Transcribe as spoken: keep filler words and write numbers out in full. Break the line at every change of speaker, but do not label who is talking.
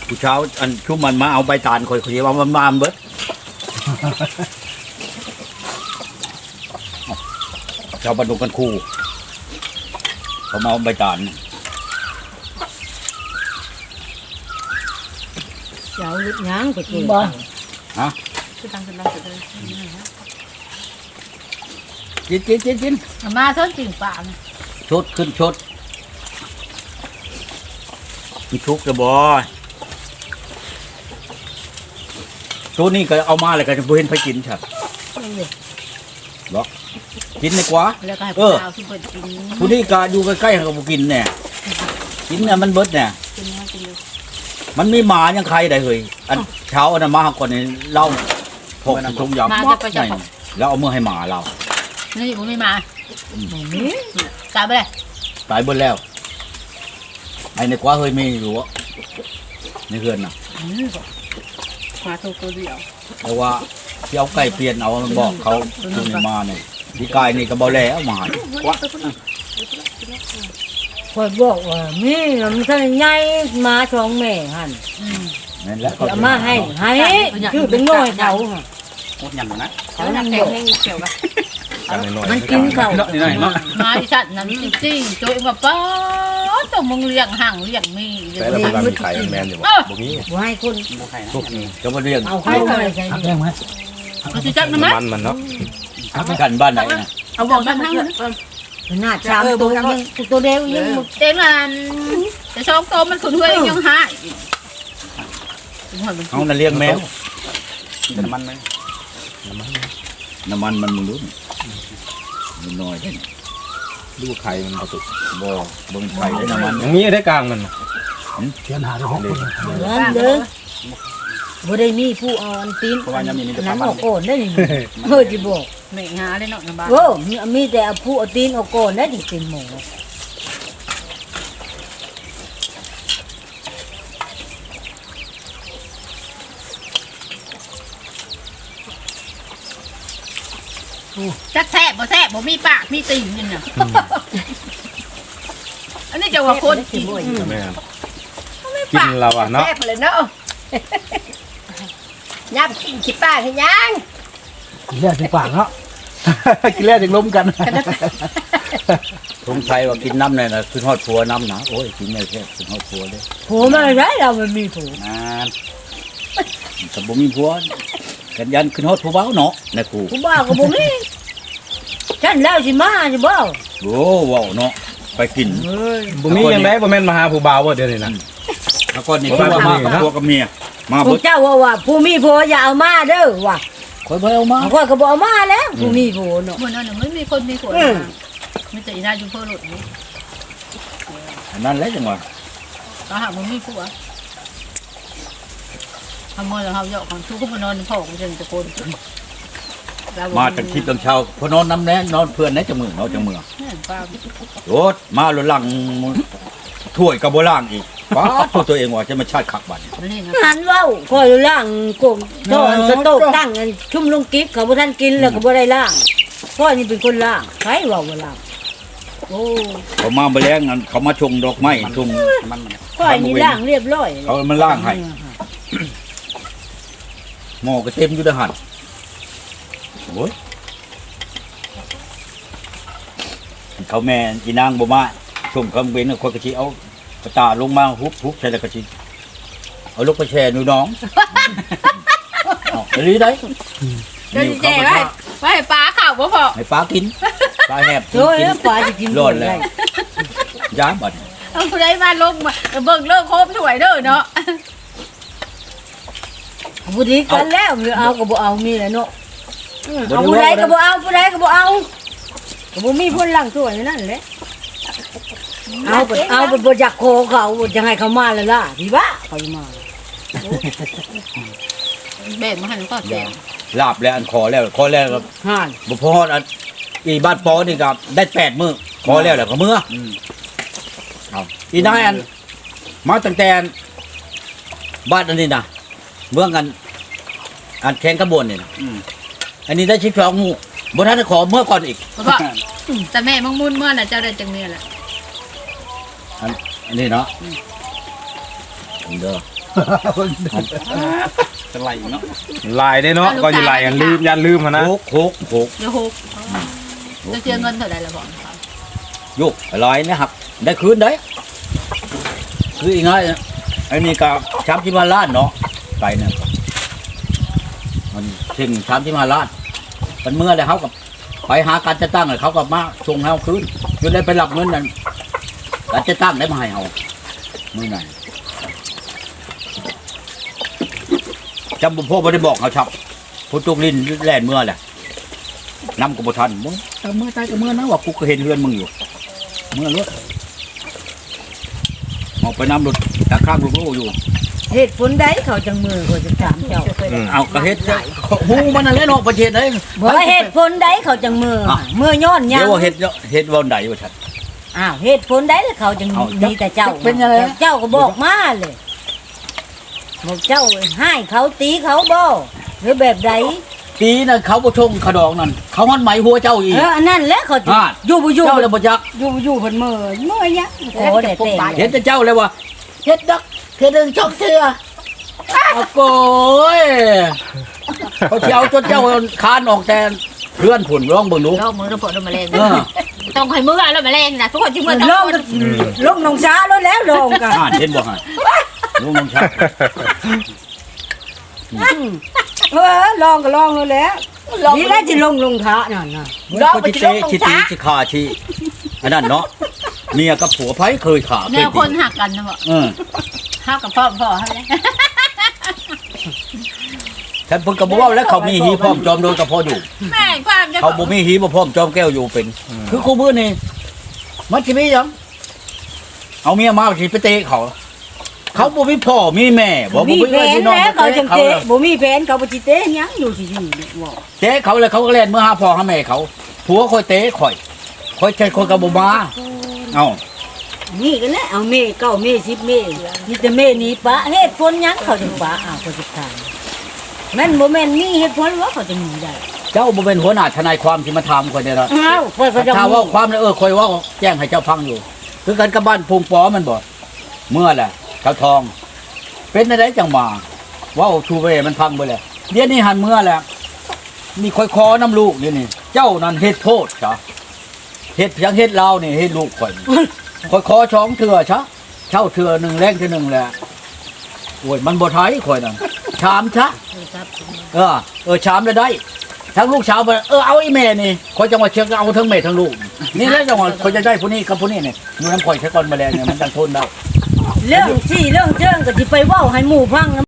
ผู้เช้าอันชุ่มมันมาเอาใบตาลคอยเขาเรียกว่ามันมาเบิดชาวบ้านดงกันคู่เขามาเอาใบตาล
เจ้าลึกยังก็เก่ง
บ่
ฮะ
คือตังค์เป็นเราสุดเลย
กินกินกินกิน
มาเท่าจริงป่า
ชดขึ้นชดมีทุกข์จะบ่ตัวนี้ก็เอามาเลยก็จะบ่เห็นไปกินใช่บ่กินดีกว่า
แล้วก็ให้
เอ
ผู้
อ
สาวที่เปิดกิน
ผู้นี้ก็อยู่ใกล้ๆเขาก็บ่กินแน่กินน่ะมันเบิดแน่
กินเนื้อกินเลย
มันมีหมายังใครได้เฮ้ยอันเช้าอันนั้นมาก่อนนี่เล่าพกทงยำ
มา
ป๊อ
จะ
ก
ไป
ให
จะ
ญ่แล้วเอามือให้หมาเรา
นี่ผมไม่มา
บ่มี
กลับไปเลย
ตายเบิดแล้วไอ้ในกว่าเฮ้ยไม่รู้อะในเฮือนน่ะ
มาถูกตัวเดียว
แต่ว่าที่เอาไก่เปลี่ยนเอามันบอกเขาตัวนี้มาเนี่ยที่กายนี่ก็บ่แล้วมาให้กว่า
ข่อยบอกว่ามีมันท่านใหญ่มาสองแม่หั่น
นั่นแหละ
เอามาให้ให้ชื่อเป็นน้อยเขาหั่น
โคตรยังนะ
เขา
แล้ว
นั่
นั่
ง
ง
บ
แด
อง ก
ให้เขียวกัน
มันกินข้าว
นี่หน่อยเนาะ
มาอีสัตว์นั้นจริงๆโจยมาป้าต้องมึงเลี้ยงห่างเลี้ยงมี
แต่ละคนมีไข่แมนอยู่บ่บ่มี
บ่ให้คน
จะมาเรียง
เอาเข้ามาใส่
หักแรงไหม
เขาจะจับนะมั้ย
มันมันเนาะ
กันบ้านไหนนะ
เอาบอกทั้งทั้ง
หน้าชามตัวยังตัวเดียวยัง
เต็มมันแต่สองตัวมันขุนเฮ้ยยังหาย
เอาน่ะเลี้ยงแมว
เป็นน้ำมันไหม
น้ำมันมันมึงรู้มันน้อย
ดูไข่มันประตุ
บ่เบิ่งไข่ได้น้ำมัน
อย่างนี้ได้กลางมัน
เทียนหาได้หกคน
นั่นเด้อบ่ได้มีผู้เอาอันตีน
เพราะว่ายังมีนี่จะ
นั้น
ทำมัน
ออกก่อนได้นี่เฮ้ยสิบอก
ไม่หาได้เนาะนะบ้า
โว้มีมีแต่เอาผู้เอาตีนออกก่อนได้ดิเป็นหมู
จักแทบบ่แทบบ่มีปากมีติ่งนี่น่ะอันนี้จะว่าคนกิน
แม่กินเราอ่ะเนาะ
แซ่บเลยเนาะยับกินขี้ป้าให้ยัง
แรกที่ปากเนาะ กินแรกถึงล้มกัน
สงสัยว่ากินน้ำเนี่ยนะคือทอดผัวน้ำนะโอ้ยกินไม่แค่คือทอดผัวเลย
ผัวมาได้เรามันมีผัว
นานแต่บ่มีผัวกันยันคือทอดผัวเบ้าเนาะนะครู
กูบ้าก็บ่มีฉันแล้วสิมาสิบ่
โอ้ว้าวเนาะไปกิน
เฮ้ย
บ่มียังไงบ่แม่นมาหาผู้บ่าวบ่เดี๋ยวนี้นะ
แล้วก็นี่คือว่ามากับผัวกับเมียมา
พว
เบิ
ก
ด
เจ้าว่าว่าผู้มีผัวอย่าเอามาเด้อว่ะ
คอยบ่เอามา
ข้อยก็บ่เอามาแล้วผู้มีผัวเนาะ
เหมือนนั่นน่ะไม่มีคนมีผัวไม่แต่อีน่าอยู่เพื่อหลุดนี่
อันนั้นแหละจังหวะ
ก็หามันมีผัวทำมอแล้วเฮาเยาะของทุกคนมานอนพ่อกูจะตะโกน
มาจากทิพย์ตอนเช้าพอนอนน้ำแน่นอนเพื่อนแน่จังมือเนาะจังมือ
นี่ป้า
โรถมาหลุหลังถ้วยกับโบล่างอีกป้าดตัวตัวเองว่าจะมาชาติขักบัตร
ไม่นี่นะ
หันเว้าข้อยล่างกงโตอนกระโตกตั้งอันชุ่มลงกิ๊บเขาบ่ทันกินแล้วก็บ่ได้ล่างข้อยนี่เป็นคนล่างใครเว้าว่าล่างโอ้
เขามาไปแล้วงั้นเขามาชงดอกไม้ชง
มัน
ข้อยนี่ล่างเรียบร้อย
เขามาล่างให้หม้อก็เต็มอยู่ทหารโอ้ยเขาแม่อีนางบ่มาชมคำเว้นคนกระชิเอากระตาลงมาฮุบฮุบใส่แล้วกระชิเอาลูกไปแช่หนูน้องเอาดีได้
เดี๋ยวเจ๊ไว้ไว้ป้าข่าวบ่พอ
ให้ป้ากินป้าแหบกิน
โอ้ย
กิน
แล้วปลาจะกิน
ร้อนแล้วย้าบัด
เอาผู้ใดมาลงมาเบิ่งเลิกโคบสวยเด้อเนาะ
ผู้ดีกันแล้วเอาก็บ่เอามีแหละเนาะเอาผู้ใดก็บ่เอาผู้ใดก็บ่เอาก็บ่มีผู้ล่างตัวนั่นแหละเอาไปเอาไปบ่อยากโคเขาจะให้เขามาแล้วล่ะพี่บ้าเขาจะมา
แบ่งมาให้ก็แจง
ลาบแล้วอันคอแล้วคอแล้วก็
ห่าน
บ่พออันอีบ้านปอนี่ก็ได้แปดมื้อคอแล้วแหละก็มื้อเอาอีนายอันมาตั้งแต่บ้านอันนี้นะเมืองกัน อันแข่งกระบวนนี่นะอันนี้ได้ชิบสองหมู่บ่ทันได้ขอเมื่อก่อนอีก
เพราะว่าแต่แม่มึงมุ่นเมื่อน่ะเจ้าได้จังเนี่ยแหละ
อันอันนี้เนาะเด้อจะไหลเนาะ
ลายได้เนาะก็อยู่ลายกันลืมยันลืมหั่นนะ
โคกโคกโคก
เดี๋ยวหกจะเสียเงินเท่าไหร่ละบอกครับ
โยกลอยนะครับได้คืนได้คืออีกน้อยไอ้นี่ก็ช้ำที่มาล้านเนาะไปเนี่ยมันถึงช้ำที่มาล้านมันเมื่อเลยเขากับไปหาการจะตั้งเลยเขากับมาส่งให้เขาคืนจนได้ไปรับเงินนั้นการจะตั้งได้มาให้เขามือไหนจำบุญพ่อไม่ได้บอกเขาชับผู้ตุกลินแล่นเมื่อแหละนำกบทันมึงแต่เมื่อตายก็เมื่อนะว่ากูก็เห็นเฮือนมึงอยู่เมื่อรถออกไปนำรถตะข้างลูกๆอยู่
เหตุผลใดเขาจังมือเขาจะถามเจ้า
เอากระเฮ็ดหูมันนั่นแหละเนาะประเทศไหน
บ่เหตุผลใดเขาจังมือเมื่อย้อนหยั
เดี๋ย
ง
วว่าเฮ็ดเฮ็ดวันใดว่าฉัน
อ้าวเหตุผลใดแล้วเขาจัง
เอา
มีแต่เจ้า
เป็นยังไง
เจ้าก็บอกมาเลยบอกเจ้าให้เขาตีเขาบ่หรือแบบใด
ปีน่ะเขาบ่ชงขดองนั่นเขาหันไหมหัวเจ้าอีก
เอออันนั้นแหละเขาจะ
อ่า
อยู่บ่อยู่
เจ้าเลยบ่จัก
อยู่บ่อยู่เพิ่นมือมือยังโอ้แต่เต้น
เห็นแต่เจ้าเลยว่าเฮ็ดดักเฮ็ดเรื่องช่องเสือเอาโกยเขาสิเอาจนเจ้าคานออกแต่เพื่อนผุ่นร้องเบิ่งดู
ลองมือระเบิดมาแรง
เออ
ต้องให้มือแล้วมาแรงนะทุกคนที่มือ
ล
ต้อง
งลงน้องช้าแล้วแล้วลงกัน
อ่านเห็นบ่ฮะลุงน้องชัก
เออลองก็ลองแล้วแหละนี่แหละสิลงลงท้านั่นน่ะ
เขาจิเตะจิตีจิขาชีอันนั้นเนาะเมียกับผัวไผเคยขา
แน
เคยว
คน
ตี
หักกันนะบอก
เออ
หักกับพ่อพ่อให้เลย
ฉันเพิ่นก็บอกว่าแล้วเขามีหีพร้อมจอมโดยกระเพาะอยู่
แม่ความจะ
เขาบ่มีหีบ่พร้อมจอมแก้วอยู่เป็น คือคู่มือนี่มันสิมีหยังเอาเมียมาสิไปเตะเขา เขาบ่มีพ่อมีแม่บ่บ่
มี
มี
แผน
พี่น้อง
แล้ว
บ่
เขาจัง
เขา
เตะบ่มีแผนเขาบ่สิเตะหยังอยู่สิอยู่บอก
เตะเขาเลยเขาก็เล่นเมื่อหาพ่อหาแม่เขาผัวคอยเตะข่อยข่อยใช้คนก็บ่มาเอ้า
นี่กันแหละเอาเมเก้าเมสิบเมมีแต่เมนี้ปะเหตุผลหยังเขาจังปะอ้าวเขาสิถามแม่นบ่แม่นมีเหตุผลว่าเขาจะมีได้
เจ้าบ่เป็นหัวหน้าทนายความที่มาถามข่อยได้ล่ะ
อ้าวข่อยก็จะ
ถ้าว่าความเนี่ยเออข่อยเว่าแจ้งให้เจ้าฟังอยู่ คือกันกับบ้านพุงปอมันบ่เมื่อแหละเขาทอง เป็นอะไรจังมาเว่าชูเวมันพังไปแล้วเดี๋ยวนี้หันเมื่อแล้วนี่ค่อยคอน้ำลูกนี่นี่เจ้านั่นเฮ็ดโทษจ้ะเฮ็ดเพียงเฮ็ดลาวนี่เฮ็ดลูกข่อยค่อยคอช้องเถื่อชะเช่าเถื่อหนึ่งแรงเถื่อหนึ่งแหละโอ้ยมันบ่ไทยข่อยนั่นชามชะเออเออชามเลยได้ ทั้งลูกสาวไปเออเอาไอ้แม่นี่ข่อยจังหวัดเชียงเอาทั้งแม่ทั้งลูกนี่แล้วจังหวัดข่อยจะได้ผู้นี้กับผู้นี้นี่อยู่น้ำข่อยใช้ก่อนแมลงเนี่ยมันจังทนได้
เรื่องที่เรื่องเชิงก็สิไปเว้าให้หมู่ฟัง